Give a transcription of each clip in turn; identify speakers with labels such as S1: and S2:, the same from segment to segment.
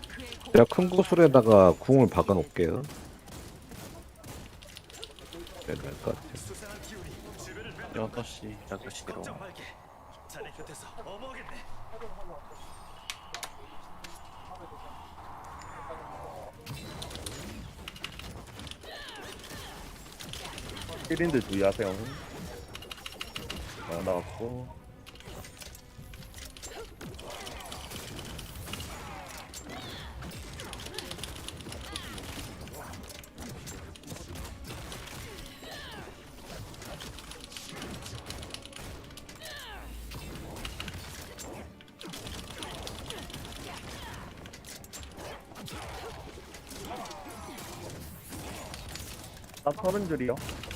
S1: 제가 큰 구슬에다가 궁을 박아 놓을게요. 네, 될것 같아요.
S2: 6시
S3: 6시로
S4: 힐인들 주의하세요. 나왔고. 나 30줄이요.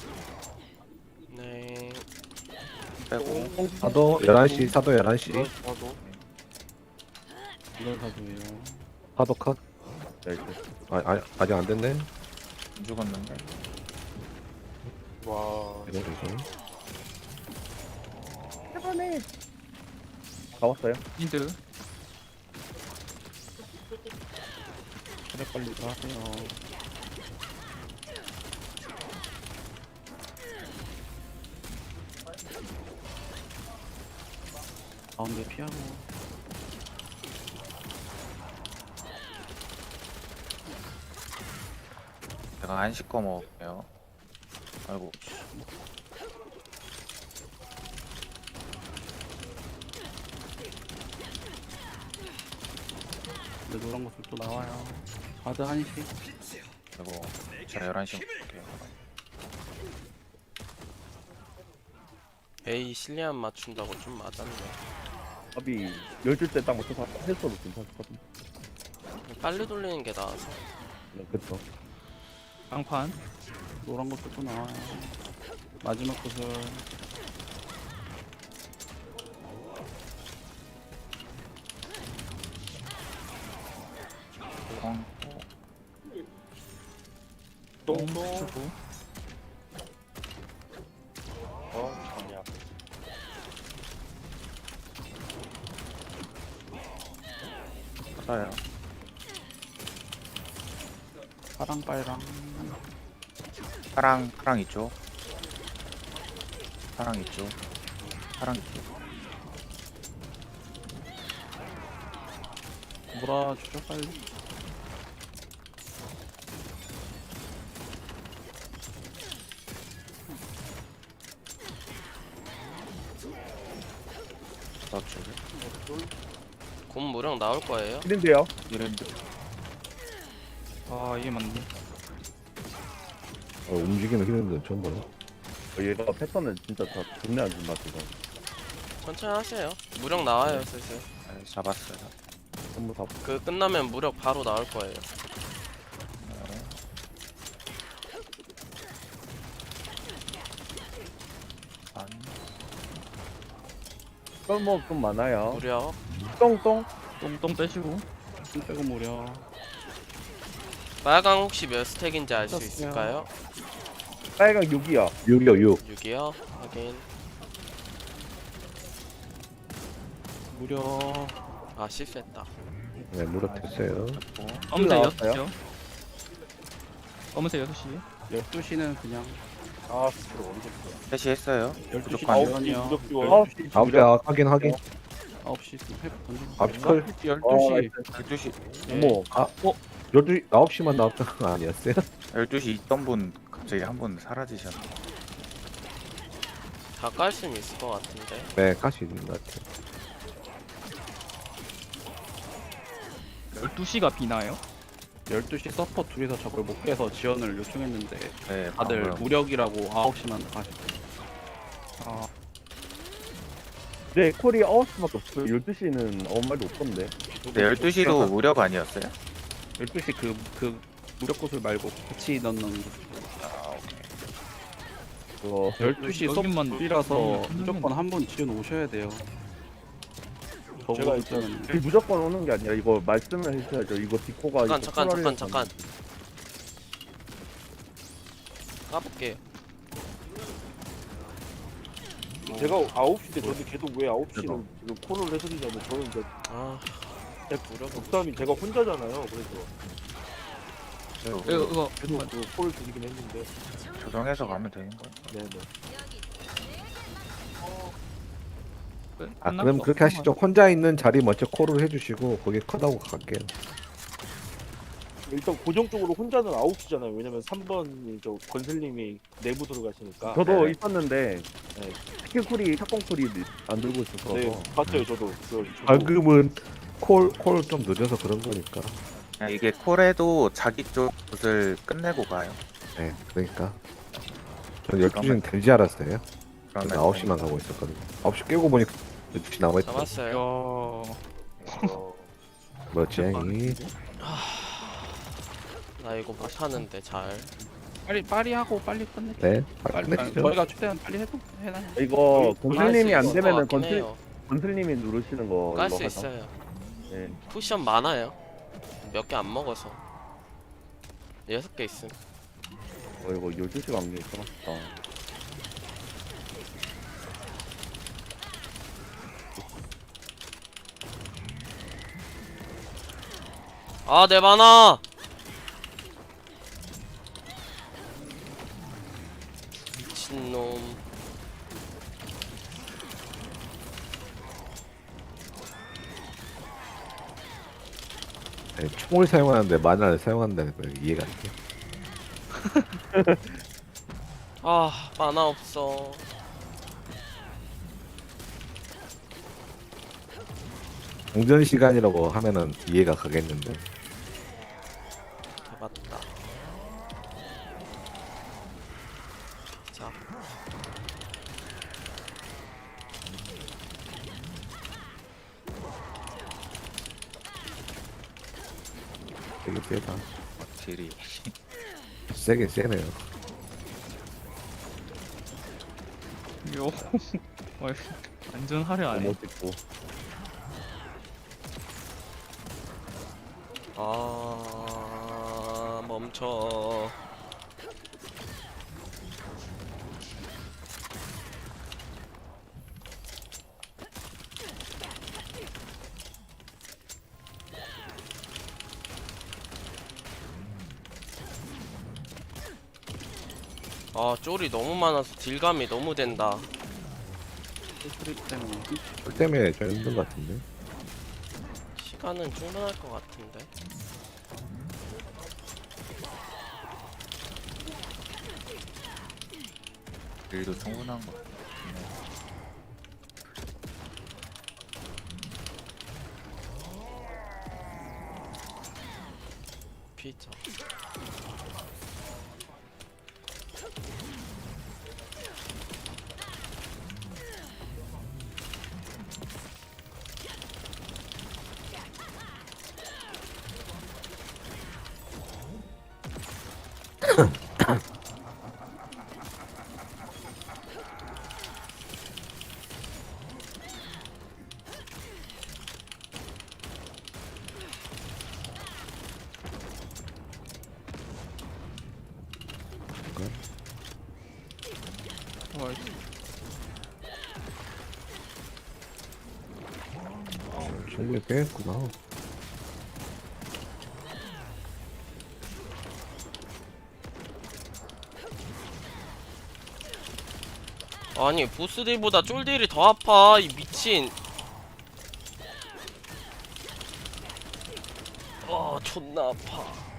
S5: 네.
S3: 빼고
S1: 사도 11시, 사도 11시.
S5: 저도.
S2: 이걸 사도예요.
S1: 사도 컷.
S4: 네,
S1: 아직 안 됐네.
S3: 안 죽었는데
S5: 와.
S1: 이거.
S4: 다 왔어요.
S2: 힌트. 그래 빨리 가세요. 가운데 피하고.
S3: 제가 한식 거 먹을게요. 아이고
S2: 근데 노란 것을 또 나와요. 바드 한시.
S3: 그리고 제가 11시 먹을게요.
S5: 에이 실리안 맞춘다고 좀 맞았네.
S4: 밥이 10줄 때 딱 맞춰서 했어도 괜찮거든.
S5: 빨리 돌리는 게 나아서.
S4: 네, 그쵸.
S2: 깡판. 노란 것도 또 나와요. 마지막 구슬.
S3: 공
S2: 똥똥.
S3: 받아요.
S2: 파랑 빨강.
S3: 파랑 있죠. 파랑 있죠. 파랑 있죠.
S2: 몰아주죠 빨리.
S3: 저쪽에
S5: 곧 무령 나올 거예요.
S4: 힐인데요.
S3: 이랜드
S2: 아 이게 맞네.
S1: 움직이는 힘든데 처음 보네.
S4: 얘가 패턴은 진짜 다 존내 안 준다, 지금.
S5: 천천히 하세요. 무령 나와요 슬슬.
S3: 네, 잡았어요.
S4: 전부 다.
S5: 그 끝나면 무력 바로 나올 거예요.
S3: 안
S4: 썰목 좀 많아요.
S5: 무력.
S4: 똥똥.
S2: 똥똥 빼시고. 똥 빼고 무려.
S5: 빨강 혹시 몇 스택인지 알 수
S2: 떴어요.
S5: 있을까요?
S4: 빨강 6이요.
S1: 6이요, 6.
S5: 6이요. 확인.
S2: 무려.
S5: 아 실수했다.
S1: 네, 무력 됐어요.
S3: 됐고
S2: 검은색
S4: 나왔어요?
S2: 6시요. 검은색 6시. 12시는 그냥.
S4: 아, 그거 언제
S3: 3시 했어요.
S2: 12시
S3: 부족하네요.
S2: 주연이요.
S4: 9시.
S1: 9시, 확인.
S2: 9시 회복 던지고.
S1: 9시 컬.
S2: 12시.
S3: 12시
S4: 어머.
S1: 12시, 9시만 나왔던 거 아니었어요?
S3: 12시 있던 분 갑자기 한 분 사라지셨네.
S5: 다 깔 수는 있을 것 같은데.
S1: 네, 가시 있는 것 같아요.
S2: 12시가 비나요? 12시 서퍼 둘이서 저걸 못 깨서 지원을 요청했는데
S3: 네,
S2: 다들
S3: 방금
S2: 무력이라고 9시만 가시고. 아,
S4: 네, 콜이 9시밖에 없어요. 12시는 아무 말도 없던데.
S3: 근데 12시도 무력 아니었어요?
S2: 12시 그 무력 구슬 말고 같이 넣는 거.
S3: 아 오케이.
S4: 그거
S2: 12시 서퍼
S6: 여기만
S2: 둘이라서
S6: 여기만
S2: 무조건 한 번 지원 오셔야 돼요.
S4: 제가
S2: 저거
S4: 일단
S2: 있잖아요.
S4: 무조건 오는 게 아니라 이거 말씀을 해주셔야죠. 이거 디코가
S5: 잠깐. 까볼게요.
S7: 제가 9시 때 저도 걔도 왜 9시를 지금 콜을 해드리냐면 저는 이제
S5: 아
S6: 독담이 제가 혼자잖아요. 그래서
S7: 이거
S6: 계속 그 콜을 드리긴 했는데.
S3: 조정해서 가면 되는 거야.
S6: 네네.
S1: 아 그럼 그렇게 하시죠. 혼자 있는 자리 먼저 콜을 해주시고 거기 컷하고 갈게요.
S6: 일단 고정적으로 혼자는 9시잖아요. 왜냐면 3번이 저 건슬님이 내부 들어가시니까.
S4: 저도
S3: 네네.
S4: 있었는데
S6: 네.
S4: 스킬 쿨이 샷건 쿨이 안 들고 있어서
S6: 네, 봤어요. 저도. 저도.
S1: 방금은 콜 좀 늦어서 그런 거니까.
S3: 그냥 이게 콜에도 자기 쪽 굿을 끝내고 가요.
S1: 네, 그러니까. 전 12시는 될 줄 알았어요.
S3: 그러면
S1: 저는 9시만 가고 있었거든요. 9시 깨고 보니까 12시 남아있다.
S5: 잡았어요.
S6: 어,
S1: 뭐지?
S5: 나 이거 못하는데 잘.
S2: 빨리 하고 빨리 끝내.
S1: 네,
S2: 빨리
S1: 끝내시죠.
S2: 저희가 최대한 빨리 해도 해놔.
S4: 이거 건슬님이 안 되면은
S5: 같긴 해요.
S4: 건슬님이 누르시는 거
S5: 깔
S4: 이거
S5: 수
S4: 하자.
S5: 있어요.
S4: 네.
S5: 쿠션 많아요. 몇 개 안 먹어서. 6개 있음.
S4: 이거 12시가 안개 있어놨다.
S5: 아, 내 만화! 미친놈.
S1: 네, 총을 사용하는데 만화를 사용한다는 거 이해가 안 돼.
S5: 아, 만화 없어.
S1: 공전 시간이라고 하면은 이해가 가겠는데.
S5: 잡았다. 자,
S1: 되게 세다.
S3: 딜이
S1: 세긴 세네요.
S7: 요 완전 화려하네.
S4: 너무 찍고.
S5: 멈춰. 아, 쫄이 너무 많아서 딜감이 너무 된다.
S2: 트립 때문에.
S1: 그 때문에 좀 힘든 것 같은데.
S5: 시간은 충분할 것 같은데.
S3: 딜도 충분한 거.
S5: 피자.
S1: 충분히 빼겠구나.
S5: 아니, 보스딜보다 쫄딜이 더 아파. 이 미친. 존나 아파.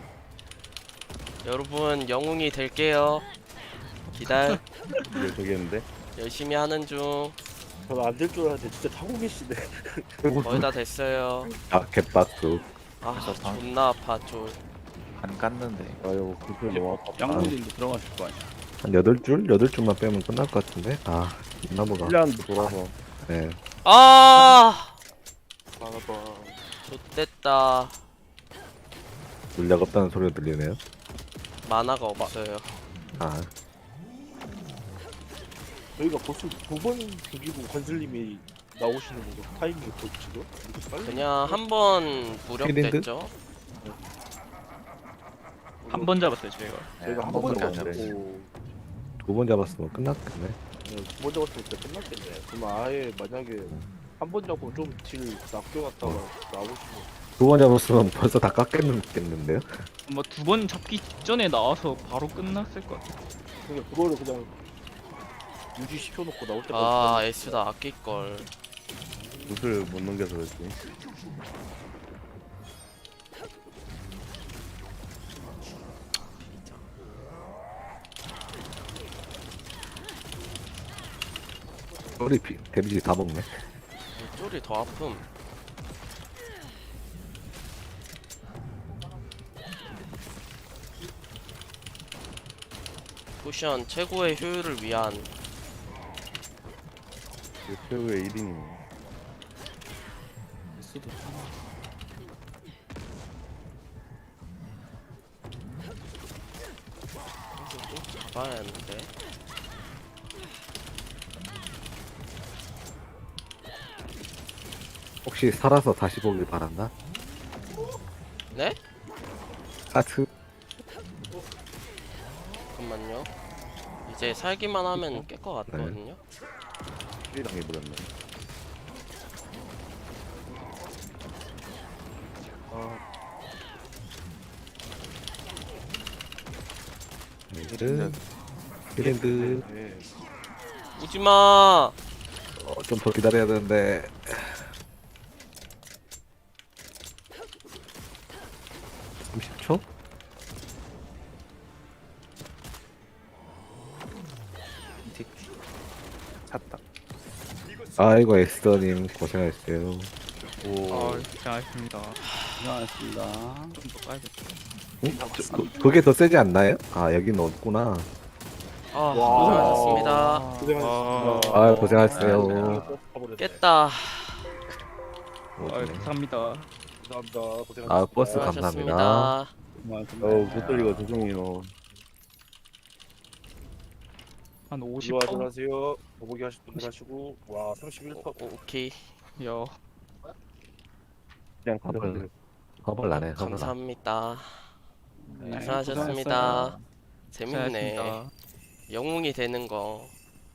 S5: 여러분, 영웅이 될게요. 기다려.
S4: 이게 저기 있는데.
S5: 열심히 하는 중.
S6: 저는 안 될 줄 알았는데 진짜 타고 계시네.
S5: 거의 다 됐어요.
S1: 아, 개빡수.
S5: 아,
S3: 그래서 방-
S5: 존나 아파, 쫄.
S3: 안 깠는데.
S4: 아유 그걸 너무 아깝다.
S2: 양무진도 들어가실 거 아니야.
S1: 한 8줄? 8줄만 빼면 끝날 것 같은데? 아, 나무가.
S4: 1년도 돌아서.
S1: 네.
S5: 아!
S6: 봐봐.
S5: 좋됐다.
S1: 물약 없다는 소리가 들리네요.
S5: 만화가 없어요.
S1: 아,
S6: 저희가 보스 2번 죽이고 건슬님이 나오시는 거죠. 타이밍이 지금? 이렇게 빨리?
S5: 그냥 한 번 무력됐죠.
S7: 한 번 잡았어요 저희가.
S6: 저희가 한
S3: 번밖에
S6: 번도
S3: 안
S6: 안
S3: 잡았어요.
S6: 잡고
S1: 2번 잡았으면 끝났겠네.
S6: 두 번 잡았을 때 끝났겠네. 그럼 아예 만약에 한 번 잡고 좀 딜 낚여놨다가 나오시면
S1: 두 번 잡았으면 벌써 다 깎였겠는데요?
S7: 뭐 두 번 잡기 직전에 나와서 바로 끝났을 것 같아.
S6: 그냥 그거를 그냥 유지 시켜놓고 나올 때까지
S5: 아 에스다 아낄걸.
S4: 굿을 못 넘겨서 그렇지.
S1: 우리 데미지 다 먹네.
S5: 쫄이 더 아픔. 쿠션 최고의 효율을 위한
S4: 그 최후의 1인이.
S2: 에스도
S5: 잡아야 하는데.
S1: 혹시 살아서 다시 보길 바란다?
S5: 네?
S1: 하트.
S5: 잠깐만요. 이제 살기만 하면 깰 것 같거든요.
S4: 킬당해 버렸네.
S1: 이런 이랜드
S6: 네.
S5: 오지마.
S1: 좀 더 기다려야 되는데. (30초)
S3: 샀다.
S1: 아이고 엑스터님 고생하셨어요.
S7: 아 잘했습니다.
S2: 고생하셨습니다.
S7: 좀 더 까야겠다.
S1: 그게 더 세지 않나요? 아 여기는 없구나.
S5: 아 고생하셨습니다.
S6: 고생하셨습니다.
S1: 아 고생하셨어요.
S5: 깼다.
S7: 아 감사합니다.
S6: 감사합니다. 고생하셨습니다.
S1: 아 버스 감사합니다.
S5: 수고하셨습니다.
S4: 못 돌리고 조종이노.
S7: 한 50%?
S6: 수고하세요. 보보기 하실 분들 하시고 와 31퍼.
S5: 오케이.
S7: 야
S4: 그냥 가져가세요.
S1: 허벌 나네. 허벌 나.
S5: 감사합니다.
S2: 네,
S5: 고생하셨습니다. 재밌네.
S7: 잘했습니다.
S5: 영웅이 되는 거.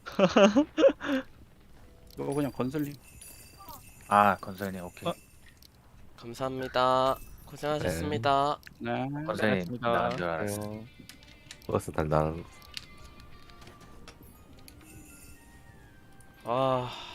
S2: 이거 그냥 건설님.
S3: 아 건설님 오케이.
S5: 감사합니다. 고생하셨습니다.
S2: 네.
S3: 건설님
S7: 잘했습니다.
S3: 나간 줄 알았어.
S1: 버스 달달.
S5: 아.